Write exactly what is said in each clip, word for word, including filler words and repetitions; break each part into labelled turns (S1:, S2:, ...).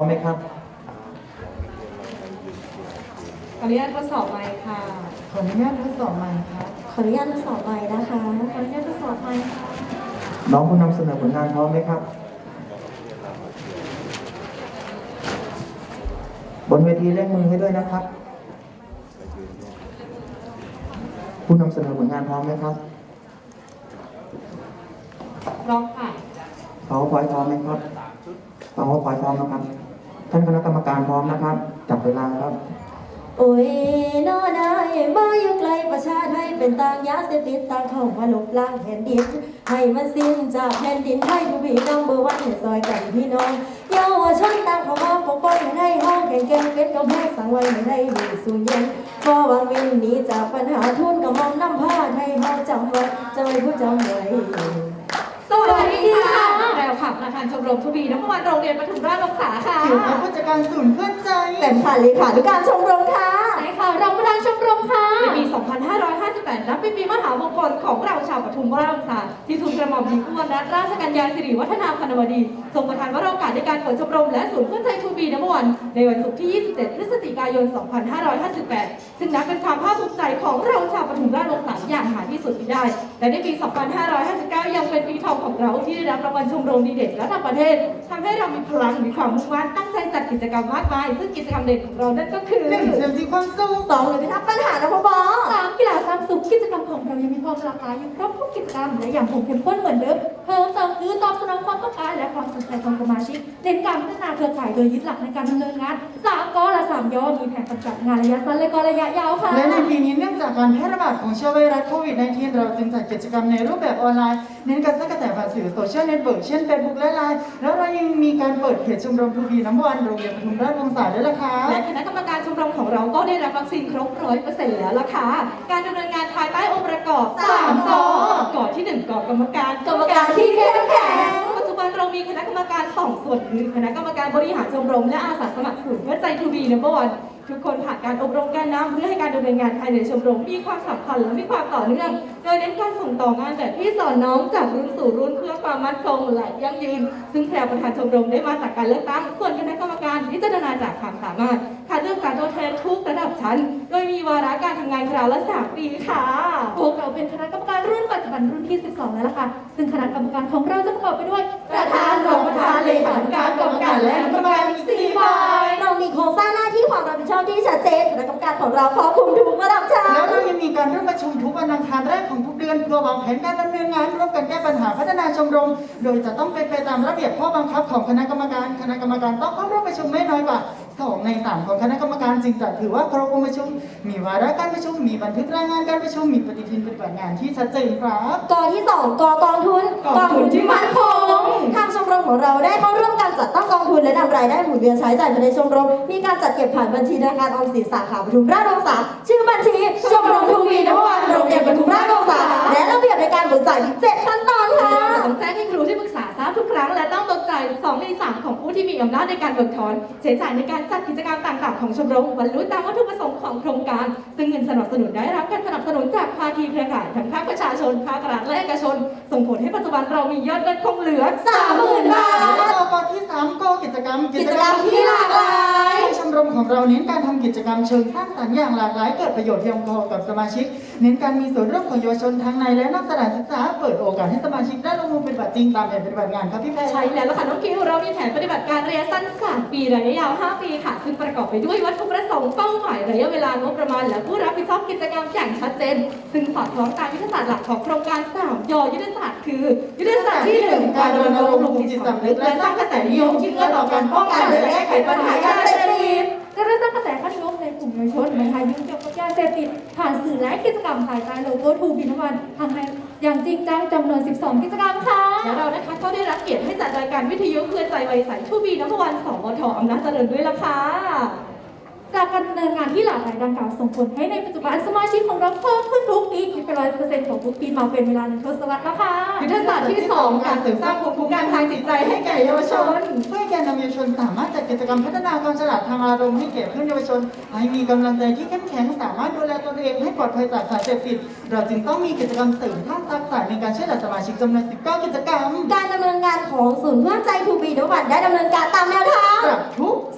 S1: ไหมครับ
S2: ขออนุญาตทดสอบไมค์ค่ะ
S1: ขออนุญาตทดสอบไมค์ครับ
S3: ขออนุญาตทดสอบไมค์นะคะ
S2: ขออนุญาตทดสอบไมค์ค่ะ
S1: น้องผู้นำเสนอผลงานพร้อมไหมครับบนเวทีเร่งมือให้ด้วยนะครับผู้นำเสนอผลงานพร้อมไหมครับ
S2: พร้อมค่ะ
S1: PowerPoint พร้อมไหมครับ PowerPoint พร้อมนะครับท่านคณะกรรมการพร้อมนะครับจับเวลาครับ
S3: โอ้ยนอได้มาอยู่ไกลประชาไทยเป็นต่างยาเสพติดต่างเข้ามาลบล้างแผ่นดินให้มันสิ้นจากแผ่นดินไทยทุกพี่น้องเบอร์วันให้ซอยกันพี่น้องเยาวชนต่างเข้ามาปกป้องให้ได้ห้องแข่งแก่งเป็นกำแพงสังไว้ให้ได้มีสูญเย็นพอวางวินหนีจากปัญหาทุนกับมองน้ำผ้าไทยเฮาจำไว้จะไม่พูดจำไว้
S2: สวัสดีค่ะแพรวค่ะประธานชมรมทูบีน้ำมันโรงเรียนปทุมราชวงศาค่ะ
S1: ถือว่าผู้จัดการศูนย์เพื่อนใจ
S3: แต่ผ่านเลขาธิการชมรมค่ะ
S2: ใช่ค่ะรองประธานชมรมค่ะในปี สองพันห้าร้อยห้าสิบแปด นับเป็นปีมหามงคลของเราชาวปทุมราชวงศาที่ทูลกระหม่อมหญิงอุบลรัตนราชกัญญาสิริวัฒนาพนวดีทรงประทานวโรกาสในการเปิดชมรมและศูนย์เพื่อนใจทูบีน้ำมันในวันศุกร์ที่ ยี่สิบเจ็ด พฤศจิกายน สองพันห้าร้อยห้าสิบแปด ซึ่งนับเป็นความภาคภูมิใจของเราชาวปทุมราชวงศาอย่างหาที่สุดมิได้และในปี สองพันห้าร้อยห้าสิบเก้า ยังเป็นปีทองของเราที่ได้รับรางวัลชมรมดีเด่นระดับประเทศทำให้เรามีพลังมีความมุ่งมั่นตั้งใจจัดกิจกรรมมากมายซึ่งกิจกรรมเด่นของเรานั่นก็คือ
S1: หนึ่งเสริมสีความสุข
S3: สองเลยพิทักษ์ปัญหานะพ่อบอ
S2: สามกีฬาสร้างสุขกิจกรรมของเรายังมีความหลากหลายอยู่ครบทุกกิจกรรมและอย่างคงเข้มข้นเหมือนเดิมเพิ่มเติมคือตอบสนองความต้องการและความสนใจของสมาชิกเน้นการพัฒนาเครือข่ายโดยยึดหลักในการดำเนินงานสามกและสามย่อมีแผนปฏิบัติงานระยะสั้นและก็ระยะยาวค่ะ
S1: และในปีนี้เนื่องจากการแพร่ระบาดของเชื้อไวรัสโควิด สิบเก้า เราจึงจัดกิจกรรมในรูปแบบออนไลน์เน้นการสร้างกระแสผ่านสื่อโซเชียลเน็ตเวิร์กเช่น Facebook และ ไลน์ แล้วเรายังมีการเปิดเพจชมรมทูบีน้ำวันโรงเรียนปทุมราชวงศาด้วยล่ะค่ะ
S2: และคณะกรรมการชมรมของเราก็ได้รับวัคซีนครบ ร้อยเปอร์เซ็นต์ แล้วล่ะค่ะการดำเนินงานภายใต้องค์ประกอบสามกกที่หนึ่งกกรรมการ
S3: กรรมการที่เข้มแข็ง
S2: ปัจจุบันเรามีคณะกรรมการสองส่วนคือคณะกรรมการบริหารชมรมและอาสาสมัครศูนย์เพื่อใจทูบีนัมเบอร์วันทุกคนผ่านการอบรมการนำเพื่อให้การดำเนินงานภายในชมรมมีความสัมพันธ์และมีความต่อเนื่องโดยเน้นการส่งต่องานแบบที่สอนน้องจากรุ่นสู่รุ่นเพื่อความมั่นคงและยั่งยืนซึ่งแพรประธานชมรมได้มาจากการเลือกตั้งส่วนคณะกรรมการพิจารณาจากความสามารถคัดเลือกจากตัวแทนทุกระดับชั้นโดยมีวาระการทำงานคราวละสามปีค่ะพวกเราเป็นคณะกรรมการรุ่นปัจจุบันรุ่นที่สิบสองแล้วล่ะค่ะซึ่งคณะกรรมการของเราจะประกอบไปด้วยประธานรองประธานเลขาธิการกรรมการและกรรมการอีกสี่ฝ่าย
S3: เรามีโครงสร้างหน้าที่ความรับผิดชอบที่ชัดเจนคณะกรรมการของเราครอบคลุมทุกระดับชั้น
S1: แล้วเรายังมีการร่วมประชุมทุกวันอังคารแรกของทุกเดือนเพื่อวางแผนการดำเนินงานร่วมกันแก้ปัญหาพัฒนาชมรมโดยจะต้องเป็นไปตามระเบียบข้อบังคับของคณะกรรมการคณะกรรมการต้องเข้าร่วมประชุมไม่น้อยกว่าสองในสามของคณะกรรมการจึงจะถือว่าครบองค์ประชุมมีวาระการประชุมมีบันทึกรายงานการประชุมมีปฏิทินปฏิบัติงานที่ชัดเจนครับ
S3: กที่สองกกองทุน
S2: กองทุนที่มั่นคง
S3: ทางชมรมของเราได้เข้าร่วมการจัดตั้งกองทุนและนำรายได้หมุนเวียนใช้จ่ายภายในชมรมมีการจัดเก็บผ่านบัญชีธนาคารออมสินสาขาปทุมราชวงศาชื่อบัญชีชมรมทูบีน้ำวันโรงเรียนปทุมราชวงศาและระเบียบในการเบิกจ่ายเจ็ดขั้นตอนค่ะ
S2: ต้องแจ้งให้ครูที่ปรึกษาทราบทุกครั้งและต้องตกใจสองในสามของผู้ที่มีอำนาจในการเบิกถอนใช้จ่ายในการจัดกิจกรรมต่างๆของชมรมบรรลุตามวัตถุประสงค์ของโครงการซึ่งเงินสนับสนุนได้รับการสนับสนุนจากภาคีเครือข่ายทั้งภาคประชาชนภาครัฐและเอกชนส่งผลให้ปัจจุบันเรามียอดเงินคงเหลือ
S3: สามหมื่น บาท
S1: และกที่สามกกิจกรรม
S3: กิจกรรมที่หลากหลาย
S1: ชมรมของเราเน้นการทำกิจกรรมเชิงสร้างสรรค์อย่างหลากหลายเกิดประโยชน์เพียงพอกับสมาชิกเน้นการมีส่วนร่วมของเยาวชนทั้งในและนอกสถานศึกษาเปิดโอกาสให้สมาชิกได้ลงมือปฏิบัติจริงตามแผนปฏิบัติงานครับพี่แพร
S2: ใช่แล้วล่ะค่ะน้องคิวเรามีแผนปฏิบัติการระยะสั้นสามปีระยะยาวห้าปีค่ะซึ่งประกอบไปด้วยวัตถุประสงค์เป้าหมายระยะเวลางบประมาณและผู้รับผิดชอบกิจกรรมอย่างชัดเจนซึ่งสอดคล้องตามยุทธศาสตร์หลักของโครงการสามยอยุทธศาสตร์คือยุทธศาสตร์ที่หนึ่งการรณรงค์ปลุกจิตสำนึกและสร้างกระแสนิยมที่เอื้อต่อการป้องกันและแก้ไขปัญหายาเสพติด
S3: และสร้างกระแสขั้นนิยมในกลุ่มเยาวชนไม่ให้ยุ่งเกี่ยวกับยาเสพติดผ่านสื่อและกิจกรรมภายใต้โลโก้ทูบีน้ำมันทำให้อย่างจริงจังจำนวนสิบสองกิจกรรมค่ะ
S2: และเรานะคะก็ได้รับเกียรติให้จัดรายการวิทยุเพื่อใจวัยใสทูบีน้ำวันสมทอำนาจเจริญด้วยล่ะค่ะ
S3: จากการดำเนินงานที่หลากหลายดังกล่าวส่งผลให้ในปัจจุบันสมาชิกของเราเพิ่มขึ้นทุกปีคิดเป็นร้อยเปอร์เซ็นต์ของทุกปีมาเป็นเวลาหนึ่งทศวรรษแล้วค่ะ
S2: ยุทธศาสตร์ที่สองการเสริมสร้างภูมิคุ้มกันทางจิตใจให้แก่เยาวชน
S1: เพื่อแก่นำเยาวชนสามารถจัดกิจกรรมพัฒนาความฉลาดทางอารมณ์ให้แก่เพื่อนเยาวชนให้มีกำลังใจที่เข้มแข็งสามารถดูแลตนเองให้ปลอดภัยจากสารเสพติดเราจึงต้องมีกิจกรรมเสริมทักษะในการช่วยเหลือสมาชิกจำนวนสิบเก้ากิจกรรม
S3: การดำเนินงานของศูนย์เพื่อนใจทูบีน้ำวันได้ดำเนินการตามแนวทาง
S1: ปรับทุก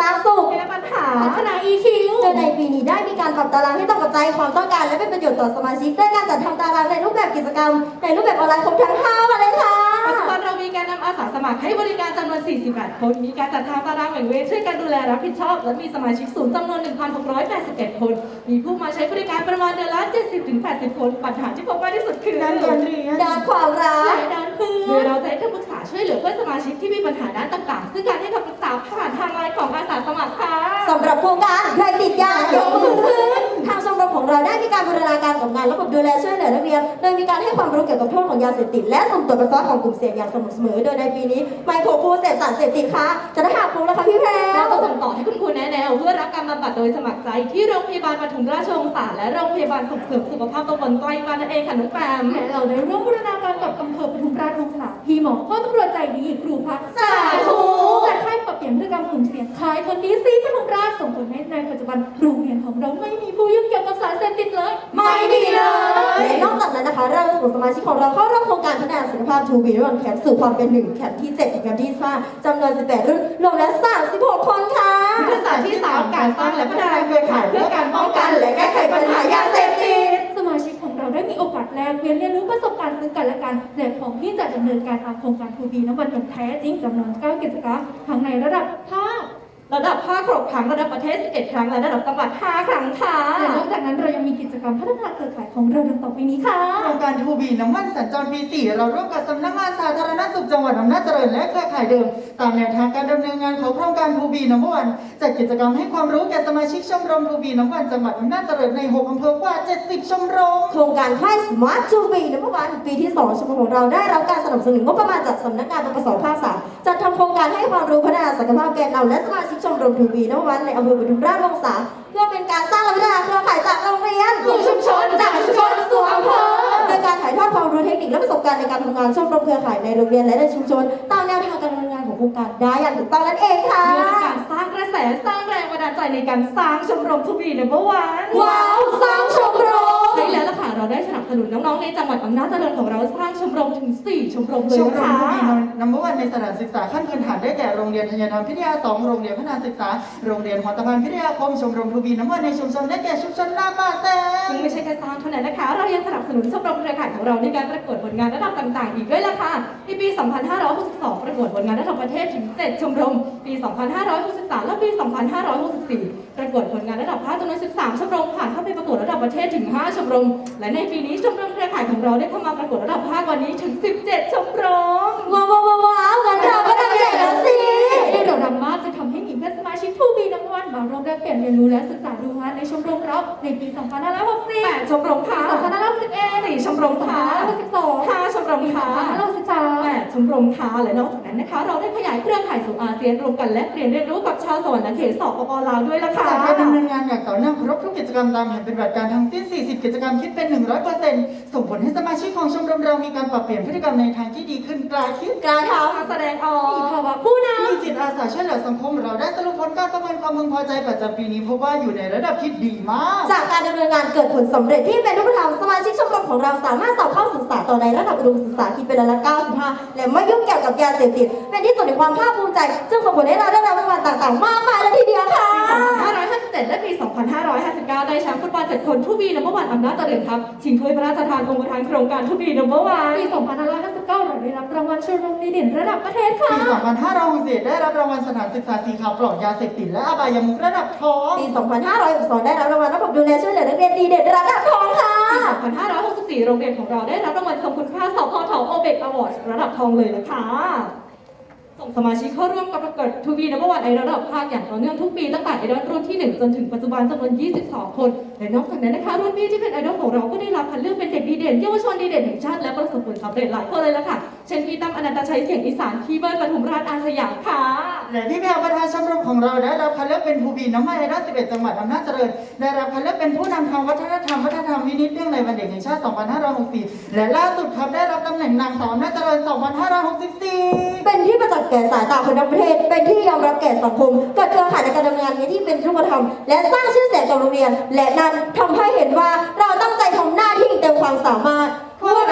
S3: ร้างสุข
S2: แก้ปัญหา
S3: พัฒนา อี คิว โดยในปีนี้ได้มีการปรับตารางให้ตรงกับใจความต้องการและเป็นประโยชน์ต่อสมาชิกด้วยการจัดทำตารางในรูปแบบกิจกรรมในรูปแบบออนไลน์ครบทั้งห้าวันเลยค่ะ
S2: ปัจจุบันเรามีการนำอาสาสมัครให้บริการจำนวน สี่สิบแปด คน มีการจัดทำตารางแบ่งเวรช่วยกันดูแลรับผิดชอบ และมีสมาชิกศูนย์จำนวน หนึ่งพันหกร้อยแปดสิบเอ็ด คน มีผู้มาใช้บริการประมาณเดือนละ เจ็ดสิบถึงแปดสิบ คน ปัญหาที่พบมากที่สุดคือ
S1: ด้านการเรียน
S3: ด้านความรัก
S2: และด้านเพื่อนโดยเราจะให้คำปรึกษาช่วยเหลือเพื่อนสมาชิกที่มีปัญหาด้านต่างๆ ซึ่งการให้คำปรึกษาผ่านทางไลน์ของอาสาสมัครค่ะ
S3: สำหรับโครงการใครติดยายกมือขึ้นทางชมรมของเราได้มีการบูรณาการกับงานระบบดูแลช่วยเหลือนักเรียนโดยมีการให้ความรู้เกี่ยวกับโทษของยาเสพติดและสุ่มตรวจปัสสาวะของกลุ่มเสี่ยงอย่างสม่ำเสมอโดยในปีนี้ไม่พบผู้เสพสารเสพติดค่ะจะได้หาครูแล้วค่ะพี่แพร
S2: เราจะส่งต่อให้คุณครูแนะแนวเพื่อรับการบำบัดโดยสมัครใจที่โรงพยาบาลปทุมราชวงศาและโรงพยาบาลส่งเสริมสุขภาพตำบลไกลบ้านนั่นเองค่ะน้องแปม
S4: และเราได้ร่วมบูรณาการกับอำเภอปทุมราชวงศาพี่หมอพ่อตำรวจใจดีครูพัก
S3: สาธุ
S4: และค่ายปรับเปลี่ยนพฤติกรรมกลุ่มเสี่ยงคล้ายคนนี้ซีปทุมราชส่งผลให้ในปัจจุบันโรงเรียนของเราไม่มีผู้ยุ่งเกี่ยวกับสารเสพติดเลย
S3: ไม่ดีเลยและนอกจากนั้นนะคะเราจะส่งสมาชิกของเราเข้าร่วมโครงการพัฒนาสุขภาพทูบีวันแคมป์สู่ความเป็นหนึ่งแคมป์ที่เจ็ดถึงแคมป์ที่ห้าจำนวนสิบแปดรุ่นรวมแล้วสามสิบหกคนค่ะ
S2: ยุทธศาสตร์ที่สามการสร้างและพัฒนาเครือข่ายเพื่อการป้องกันและแก้ไขปัญหายาเสพติด
S4: สมาชิกของเราได้มีโอกาสแลกเปลี่ยนเรียนรู้ประสบการณ์ซึ่งกันและกันและพร้อมที่จะดำเนินการตามโครงการทูบีน้ำมันอย่างแท้จริงจำนวนเก้ากิจกรรมทั้งในระดับภาค
S2: ระดับภาคหกครั้งระดับประเทศสิบเอ็ดครั้งและระดับจังหวัดห้าครั้งค่ะ
S4: และนอกจากนั้นเรายังมีกิจกรรมพัฒนาเครือข่ายของเราดังต่อไปนี้ค่ะ
S1: โครงการทูบีน้ำมันสัญจรปีสี่เราร่วมกับสำนักงานสาธารณสุขจังหวัดอำนาจเจริญและเครือข่ายเดิม ตามแนวทางการดำเนินงานของโครงการทูบีน้ำมันจัดกิจกรรมให้ความรู้แก่สมาชิกชมรมทูบีน้ำมันจังหวัดอำนาจเจริญในหกอำเภอกว่าเจ็ดสิบชมรม
S3: โครงการค่ายสมาร์ททูบีในเมื่อวานปีที่สองชมรมของเราได้รับการสนับสนุนงบประมาณจากสำนักงานปปสภาคสามจัดทำโครงการให้ความรู้พัฒนาศักยภาพแกนนำและสมาชิกชมรมทูบีในเมื่อวานในอำเภอปทุมราชวงศาเพื่อเป็นการสร้างและพัฒนาเครือข่ายจากโรงเรียน
S2: สู่ชุมชนจากชุมชนสู่อำเภอ
S3: โดยการถ่ายทอดความรู้เทคนิคและประสบการณ์ในการทำงานชมรมเครือข่ายในโรงเรียนและในชุมชนตามแนวทางการดำเนินงานของโครงการได้อย่างถูกต้องนั่นเองค่ะ
S2: เพื่อเป็นการสร้างกระแสสร้างแรงบันดาลใจในการสร้างชมรมทูบีนัมเบอร์วัน
S3: ว้าวสร้างชมรม
S2: ใช่แล้วล่ะค่ะเราได้สนับสนุนน้องๆในจังหวัดอำนาจเจริญของเราสร้างชมรมถึงสี่ชมรมเลย
S1: ชมรม
S2: ค่ะ
S1: ทูบีนัมเบอร์วันในสถานศึกษาขั้นพื้นฐานได้แก่โรงเรียนธัญธรรมพิทยาสองโรงเรียนพัฒนาศึกษาโรงเรียนหัวตะพานพิทยาคมชมรมทูบีน้ำมันในชุมชนได้แก่ชุมชนลาบาแซ
S2: ซึ่งไม่ใช่แค่สร้างเท่านั้นนะคะ เรายังสนับสนุนชมรมเครือข่ายของเราในการประกวดผลงานระดับต่างๆ อีกด้วยล่ะค่ะในปี สองพันห้าร้อยหกสิบสอง ประกวดผลงานระดับประเทศถึง เจ็ด ชมรม ปี สองพันห้าร้อยหกสิบสาม และปี สองพันห้าร้อยหกสิบสี่ ประกวดผลงานระดับภาคจำนวน สิบสาม ชมรม ผ่านเข้าไปประกวดระดับประเทศถึง ห้า ชมรม และในปีนี้ชมรมเครือข่ายของเราได้เข้ามาประกวดระดับภาควันนี้ถึง สิบเจ็ด ชมรม
S3: ว้าวว้าวว้าวงั้นเราก็ทำใหญ่แล้วสิ
S4: ที่เราดังมากจะทำให้มีเพื่อนสมาชิกผู้มีรางวัลมาร่วมแลกเปลี่ยนเรียนรู้และศึกษาดูงานในชมรมเราในปี สองพันห้าร้อยหกสิบ
S2: แปด ชมรมค่ะ
S4: สองพันห้าร้อยหกสิบเอ็ด
S2: สี่ชมรมค่ะ
S4: สองพันห้าร้อยหกสิบสอง
S2: ห้า ชมรมค่ะ
S4: สองพันห้าร้อยหกสิบสาม
S2: แปด ชมรมค่ะและนอกจากนั้นนะคะ เราได้ขยายเครือข่ายสู่อาเซียนรวมกันและเรียนเรียนรู้กับชาวสวรรค์เขตสปปลาวด้วยล่ะค่ะ
S1: จากการดำเนินงานอย่างต่อเนื่องครบทุกกิจกรรมตามแผนปฏิบัติการทั้งสิ้น สี่สิบ กิจกรรมคิดเป็น หนึ่งร้อยเปอร์เซ็นต์ ส่งผลให้สมาชิกของชมรมเรามีการปรับเปลี่ยนพฤติกรรมในทางที่ดีขึ้นกล้าคิด
S3: กล้าท
S2: การแสดงออ
S4: มี
S2: ก
S4: ภาวะผู้น
S1: มีจิตอาสาช่วยเหลือสังคมเราได้สรุปผลการประเมินความพึงพอใจประจำปีนี้พบว่าอยู่ในระดับที่ดีมาก
S3: ำจากการดำเนินงานเกิดผลสำเร็จที่เป็นรูปธรรมสมาชิกชมรมของเราสามารถสอบเข้าศึกษาต่อในระดับอุดมศึกษาคิดเป็นร้อยละเก้าสิบห้าและไม่ยุ่งเกี่ยวกับยาเสพติดเป็นที่สุดในความภาคภูมิใจจึงส่งผลให้เราได้รับรางวัลต่างๆ มากมายเลยทีเดียวค่ะ
S2: ปี สองพันห้าร้อยห้าสิบเจ็ด และปี สองพันห้าร้อยห้าสิบเก้า ได้แชมป์ฟุตบอลเจ็ดคนทูบีนัมเบอร์วันอำนาจเจริญครับชิงถ้วยพระราชทานองค์ประธานโครงการทูบีนัมเบอร์วัน
S4: ปี สองพันห้าร้อยห้าสิบเก้า เราได้รับรางวัลชมรมดีเด่นระดับประเทศค่ะ
S1: ปี สองพันห้าร้อยหกสิบเอ็ด ได้รับรางวัลสถานศึกษาสีขาวปลอดยาเสพติดและอบายมุขระดับทอง
S3: ปี สองพันห้าร้อยหกสิบสอง ได้รับรางวัลระบบดูแลช่วยเหลือนักเรียนดีเด่นระดับทองค่ะ
S2: ปี สองพันห้าร้อยหกสิบสี่ โรงเรียนของเราได้รับรางวัลทรงคุณค่าสพทโอเบกอวอร์ดระดับทองเลยนะคะส่งสมาชิกเข้าร่วมกับประกวดทูบีนัมเบอร์วันไอดอลระดับภาคอย่างต่อเนื่องทุกปีตั้งแต่ไอดอลรุ่นที่หนึ่งจนถึงปัจจุบันจำนวน ยี่สิบสอง คนและนอกจากนั้นนะคะรุ่นพี่ที่เป็นไอดอลของเราก็ได้รับคัดเลือกเป็นเด็กดีเด่นเยาวชนดีเด่นแห่งชาติและประสบผลสำเร็จหลายคนเลยล่ะค่ะเช่นพี่ตั้มอนันตชัยเสียงอีสานพี่เบิร์ดปทุมราชอาสยามค่ะ
S1: และพี่แพรวประธานชมรมของเราได้รับคัดเลือกเป็นทูบีน้ำมันไอดอลสิบเอ็ด จังหวัดอำนาจเจริญได้รับคัดเลือกเป็นผู้นำทางวัฒนธรรมวัฒนธรรมวินิจเนื่องในวันเด็กแห่งชาติ สองพันห้าร้อยหกสิบสี่ และล่าสุดครับได้รับตำแหน่งนางสาวอำนาจเจริญ สองพันห้าร้อยหกสิบสี่
S3: เป็นที่ประจักษ์แก่สายตาคนทั้งประเทศ เป็นที่ยอมรับแก่สังคมเกิดเครือข่ายในการดำเนินงานที่เป็นรูปธรรมและสร้างชื่อเสียงกับโรงเรียน และนั้นทำให้เห็นว่าเราตั้งใจทำหน้าที่เต็มความสามารถพวกเรา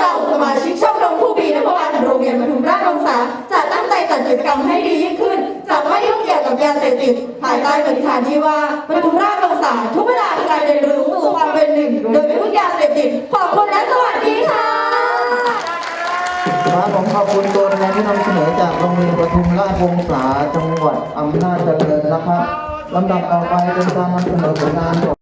S3: เราสมาชิกชมรมทูบีนพวันโรงเรียนปทุมราชวงศาจะตั้งใจจัดกิจกรรมให้ดียิ่งขึ้นจะไม่ยุ่งเกี่ยวกับยาเสพติดภายใต้ปณิธานที่ว่าปทุมราชวงศาทุกเวลาคือการเรียนรู้สู่ความเป็นหนึ่งโดยไม่พึ่งยาเสพติดขอบคุณและสวัสดีค่ะ
S5: ครับผมขอบคุณตัวแทนที่นำเสนอจากโรงเรียนปทุมราชวงศาจังหวัดอำนาจเจริญนะครับลำดับต่อไปเป็นการนำเสนอผลงาน